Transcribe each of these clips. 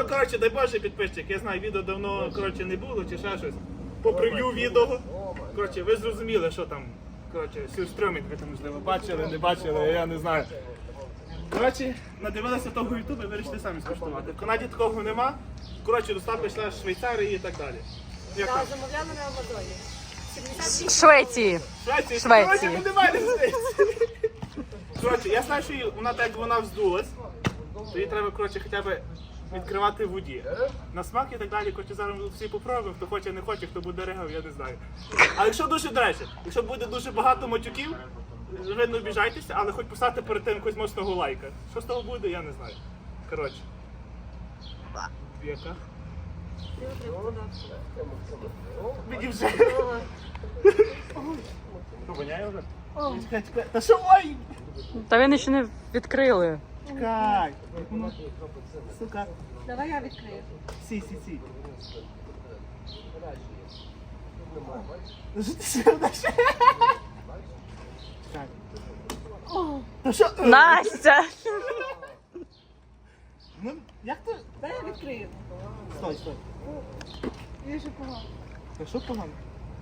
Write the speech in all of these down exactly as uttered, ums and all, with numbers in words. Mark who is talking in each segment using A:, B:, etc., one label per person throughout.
A: коротше, дай Боже, підписчик, я знаю, відео давно, коротше, не було чи ще щось. По прев'ю відео. Коротше, ви зрозуміли, що там, коротше, сюрстрьомінг ви там, можливо, бачили, не бачили, я не знаю. Коротше, надивилися того ютубу і вирішили самі скуштувати. В Канаді такого нема. Коротше, доставка йшла з Швейцарії і так далі. Як
B: Так,
A: там?
B: замовляли на Амазоні. сімдесят
C: Швеції.
A: Швеції.
C: Швеції.
A: Коротше, ми немає різниці. Коротше, я знаю, що її- вона так як вона вздулась, то її треба, коротше, хоча б відкривати в воді. На смак і так далі, коротше, зараз ми всі попробуємо, хто хоче, не хоче, хто буде ригав, я не знаю. А якщо дуже, до речі, якщо буде дуже багато матюків, ви не обіжайтеся, але хоч поставте перед тим якогось моцного лайка. Що з того буде, я не знаю. Коротше. Яка? Мені вже. Що, воняє вже? Чекай, чекай. Та що, ой!
C: Та він ще не відкрили.
A: Чекай. Сука.
B: Давай я відкрию.
A: Сі, сі, сі. Ну що ти ще одна ще? Чекай. Та що?
C: Настя!
A: Ну, як ти?
B: Дай я відкрию.
A: Стой, стой.
B: Я ще погано.
A: Та що погано?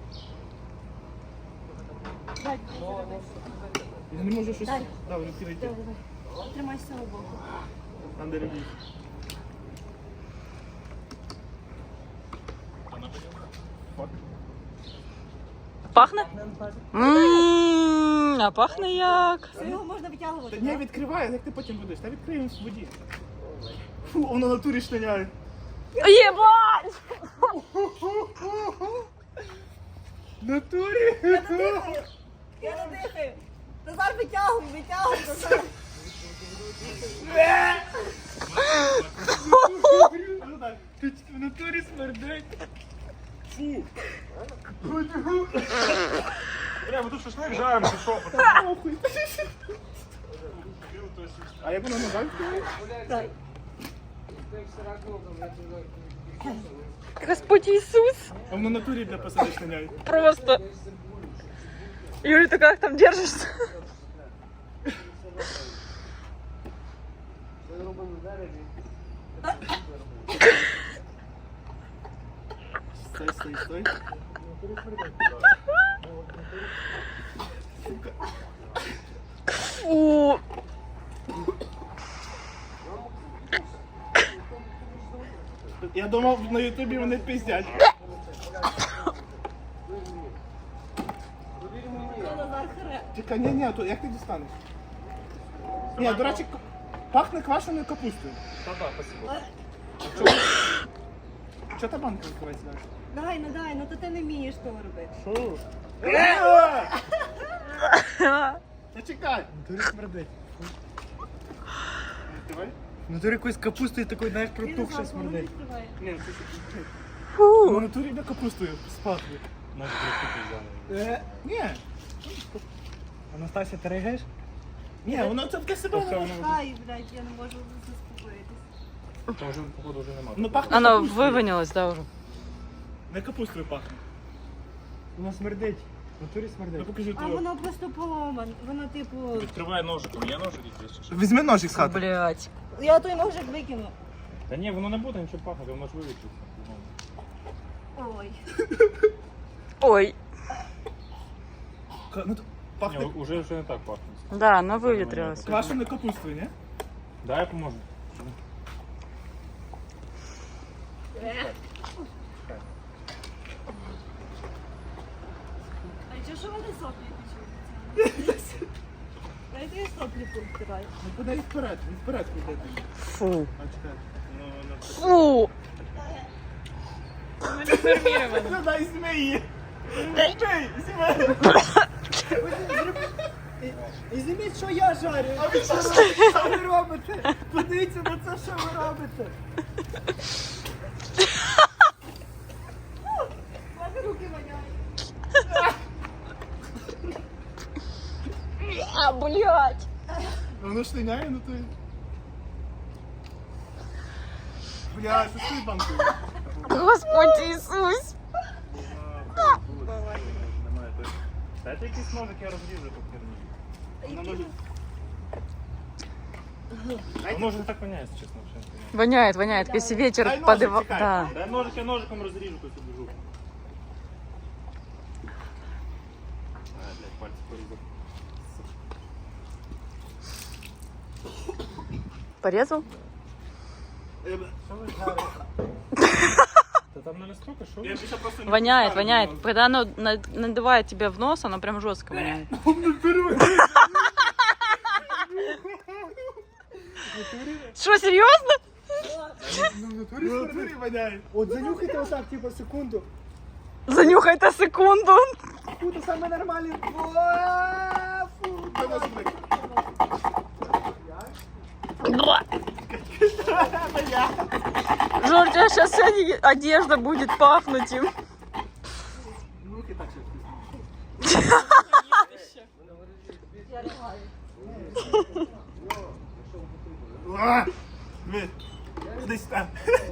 B: Дай,
A: Я не можу щось...
B: Дай.
A: Да, вже підійти.
B: давай, давай. Тримай з цього боку.
A: Там де любить.
C: Пахне? Ммм, а пахне як?
B: Все, його можна витягувати.
A: Та ні,
B: так?
A: відкривай, як ти потім будеш? Та відкриємо в воді. Фу, воно на натурі штаняє.
C: Єбать!
A: В натурі?
B: Я не дихаю. Назар, витягуй, витягуй, Назар.
A: Ну так, ти в натурі смердить. Фу. Бля, ми тут шашлик жаримо, ти що? Похуй. А як воно назад?
B: Дай.
C: Господь Ісус!
A: А воно на натурі для посади штаняє.
C: Просто. Юля, ты как там держишься?
A: Стой, стой, стой.
C: Фу.
A: Я думав, на ютубі вони пиздять.
B: Це Назар харе.
A: Чекай, ні, ні, то як ти дістанеш? Ні, до речі, к- пахне квашеною капустою. Так, так, спасибо. Чого та банка відкривається далі?
B: Дай, ну дай, ну то ти не вмієш того робити.
A: Що? Та чекай!
D: Натурі смердить.
A: Відкривай.
D: Натурі якоюсь капустою такою, знаєш,
B: Він
D: протухше
B: Назар, воно
D: смердить.
B: відкриває.
A: Ні, це це-
C: Фу.
A: Ну, натурі йде капустою спахне.
D: Може, прикупи взяли.
A: Е, ні.
D: Анастасія, ти ригаєш?
A: Ні, воно це в себе
D: Тобто
A: воно.
D: воно-
B: Ай, блядь, я не можу заспокоїтись.
D: Там вже, походу, вже нема.
A: Ну пахне
C: Оно
A: капустою.
C: вывонилось, да, уже?
A: Не капустою пахне.
D: Воно смердить. Натурі
A: Ну
D: смердить.
A: покажи
B: А
A: твого.
B: воно просто поломан. Воно типу.
E: Відкривай ножиком, є ножик якийсь? чи що?
A: Візьми ножик з хати.
C: Блять.
B: Я той ножик викину.
E: Та ні, воно не буде нічого пахнути, воно ж вивічиться.
B: Ой.
C: Ой.
A: Ка- Ну, то
E: Ні,
A: пахне
E: уже вже не так пахне.
C: Да, оно выветрилось.
A: квашеною капустою, ні?
E: Дай я поможу.
B: А чого що вони соплі печуть? Дайте я соплі повтираю.
A: Ну куди їх вперед, він вперед куди.
C: Фу.
A: А чекай. Ну, ну.
C: Фу.
A: Ну дай змії! Змій! Змій!
D: І зніміть, що я жарю.
A: А ви що
D: Що ви робите? Подивіться на це, що ви робите.
B: Ладно, руки воняють.
C: А, блять.
A: Воно штиняє, ну то... Бля, що з тою банкою?
C: Господь Ісус.
E: Немає той. Дайте якийсь ножик, я розріжу ту херню.
A: Вона може...
E: Воно вже не так воняється, чесно. взагалі.
C: Воняет, воняет. Если ветер
A: Дай ножик,
C: подыва...
A: чекай.
C: Да.
E: Дай ножик, я ножиком розріжу тут біжу. А, блядь, пальці порізав.
C: Порезал?
E: Та там не настільки, що?
A: Я більше просто не
C: Воняет,
A: пускаю,
C: воняет.
A: ну.
C: Когда оно на- надувает тебе в нос, оно прям жестко воняет. Что, серьезно?
D: Ну, в натурі
A: Ну,
D: смердить.
A: смотри, воняє.
D: От занюхайте отак, типу, секунду.
C: Занюхай-то секунду.
D: Секунду, саме нормальне. О, фу.
A: Дай ножик, блядь.
C: Жор, у тебя сейчас вся одежда будет пахнуть им.
A: Руки так ще. А, блядь. Кудись там.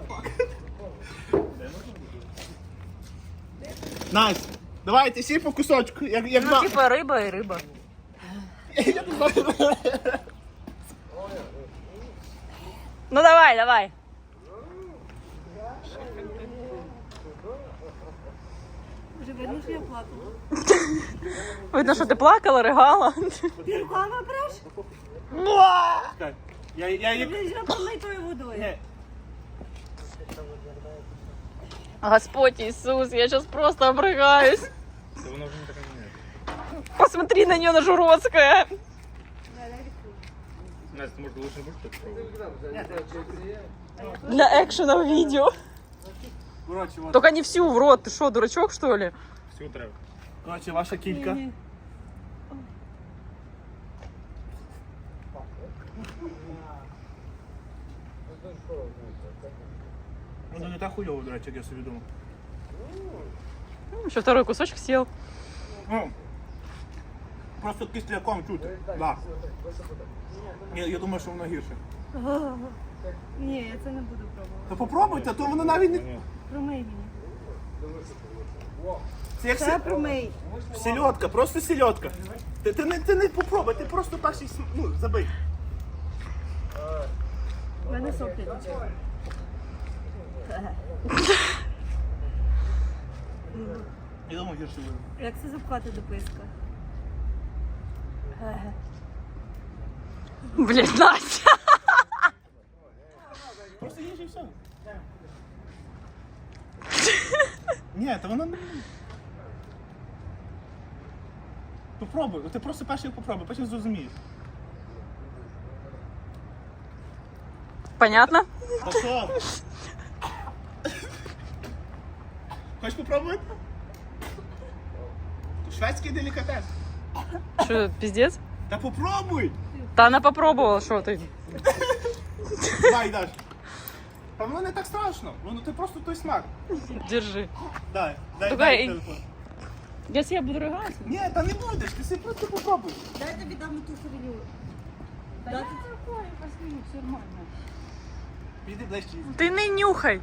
A: Настя, давайте всі по кусочку, як, як
C: Ну,
A: два.
C: типа рыба и рыба.
A: Я не знаю.
C: Ну давай, давай.
B: Вже видно, що я плакала.
C: Видно, что ты плакала, рыгала.
B: Ти руками бреш?
A: Чекай, Я, я, я,
B: Ти вже помитою водою.
A: Ні,
C: Господь Иисус, я сейчас просто обрыгаюсь.
E: Та воно вже не таке воняє.
C: Посмотри на нее, на Журовская.
E: Настя, може, лучше будеш спробувати?
C: Для экшена в видео.
A: коротше, от.
C: Только не всю в рот. Ты что, дурачок, что ли?
E: Всю треба.
A: Коротше, ваша кілька.
B: Ні-ні.
A: Воно не так хуйово, до речі, як я собі думав.
C: Еще второй кусочек съел.
A: Ну, просто кисляком чути. Да. Я, я думаю, що воно гірше.
B: Ні, я це не буду пробувати.
A: То попробуйте, то воно навіть не...
E: Ні.
B: Промий мені.
A: Це як
B: Це
A: се-
B: промий.
A: сельодка, просто сельодка. Ти, ти, не, ти не попробуй, ти просто перший, см- ну, забий.
B: У мене соплі течуть.
A: Я думаю, гірше буде.
B: Як це запхати до писка?
C: Блин, Настя.
A: Просто їж і все. Ні, то воно не... Попробуй, ти просто перший попробуй, потім зрозумієш.
C: Понятно?
A: Та що? Хочеш попробувати? Шведський делікатес.
C: Что, пиздец?
A: Та попробуй!
C: Да она попробовала, что ты.
A: Давай, Даш. Та воно не так страшно, воно ти просто той смак.
C: Держи.
A: Дай, дай,
C: Давай.
A: дай телефон.
C: Если я буду рыгать?
A: Ні, та не будеш, ти собі просто попробуй.
B: Дай тобі дам ту херню.
C: Да такое, посмотри, все нормально.
A: Піди ближче.
C: Ты не нюхай.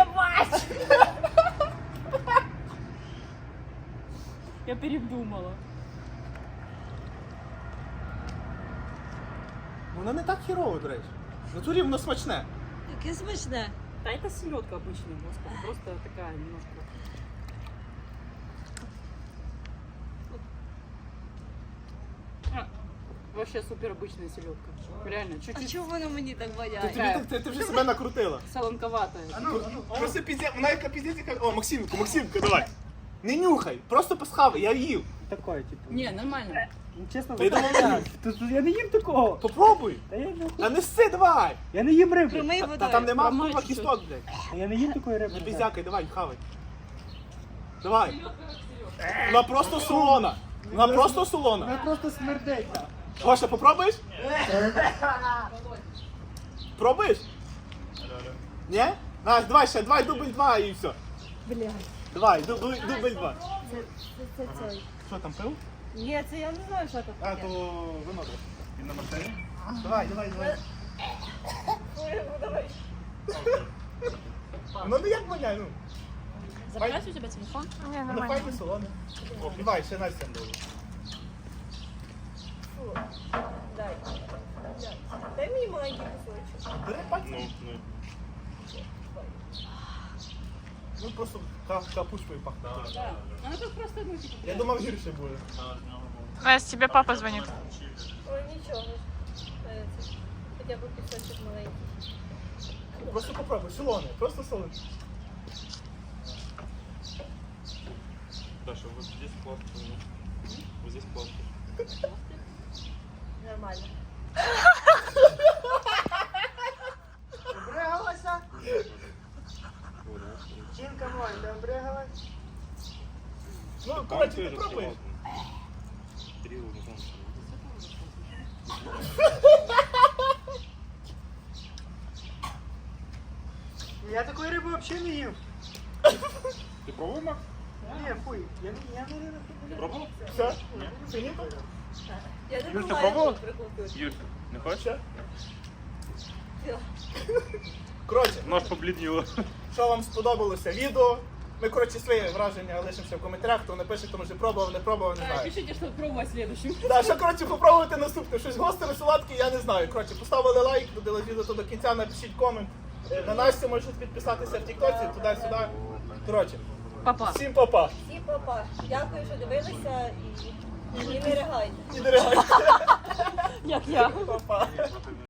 C: Я передумала.
A: Воно не так хірово, до речі. В натурі воно смачне.
B: Яке смачне.
C: Да это селедка обычная, господи, просто такая немножко. А, вообще супер обычная селедка. Реально,
B: А
C: чуть-чуть
B: чого воно мені так
A: Ти,
B: воняє?
A: тобі, ти, ти вже себе накрутила.
C: солонковатая.
A: Просто пізде, вона яка піздець, яка... О, Максимку, Максимка, давай. Не нюхай, просто посхавай, я їв.
D: Такое, типу.
C: Не, нормально.
D: Ну, чесно,
A: Та я думав,
D: так. Тут я не їм такого.
A: Попробуй.
D: Та я не,
A: Та не сси, давай.
D: я не їм риби.
B: Промий
A: Та,
B: водою.
A: та там нема
C: Промий
A: вкума
C: чуть-чуть.
A: кісток, блядь.
D: Та я не їм такої риби.
A: Не піздякай, давай, хавай. Давай. Вона просто солона. Вона просто солона.
D: Вона просто смердить.
A: Гоша, попробуєш? Пробуєш? Ні? Настя, давай ще, давай дубль два і все.
B: Блядь.
A: Давай, дубль, дубль два.
B: Це, це, це, це.
A: Що там, пив?
B: Ні, це я не знаю, що тут
A: А,
B: таке.
A: то вино трохи. Він на машині. Давай, давай, давай. Ну не як воняє, ну.
C: Забирать у тебя телефон? Не,
A: Ну файне солоне. О, давай, ще Настя там
B: Дай мені мою. маленький кусочок.
A: Бери пальцем.
E: Ну, ну.
A: Ну просто ка- капустою пахне.
B: Так. Ну тут просто ну типу.
A: Я думав, гірше буде.
C: Настя, тебе папа звонит.
B: Ой, нічого. Е, це Хоча б кусочок маленький.
A: Просто попробуй, солоне, просто солоне.
E: Даша, вот здесь пластик. Вот здесь пластик.
B: Нормально.
D: Обригалася? Жінка моя, ти обригалась?
A: Ну, коротше, ти пробуєш.
E: Кирилл, не знаю.
D: Я такої риби взагалі не їв.
E: Ты пробовал, Макс?
D: Ні, фуй, я, не- я не риби.
E: Ты пробовал?
A: Все? Фініто?
B: Я не
E: Юр, ти
B: буваю
E: пробувала?
B: тут прикупити.
E: Юрь, не хочешь?
A: Все?
B: Все.
A: Коротше,
E: Нож побледнело.
A: що вам сподобалося відео? Ми, коротше, свої враження лишимося в коментарях, хто напише, хто може пробував, не пробував, не знаю.
B: Пишите, що пробувати следующим.
A: Да, що, коротше, попробуйте наступне. Щось гостре, солодке, я не знаю. Коротше, поставили лайк, додали відео то до кінця, напишіть комент. Е, На Настю можете підписатися в тіктоці, туди-сюди. Коротше,
C: Папа.
A: всім па-па.
B: Всі папа. Дякую, що дивилися і, і не ригайте.
A: І не ригайте.
C: Як я.
A: Па-па.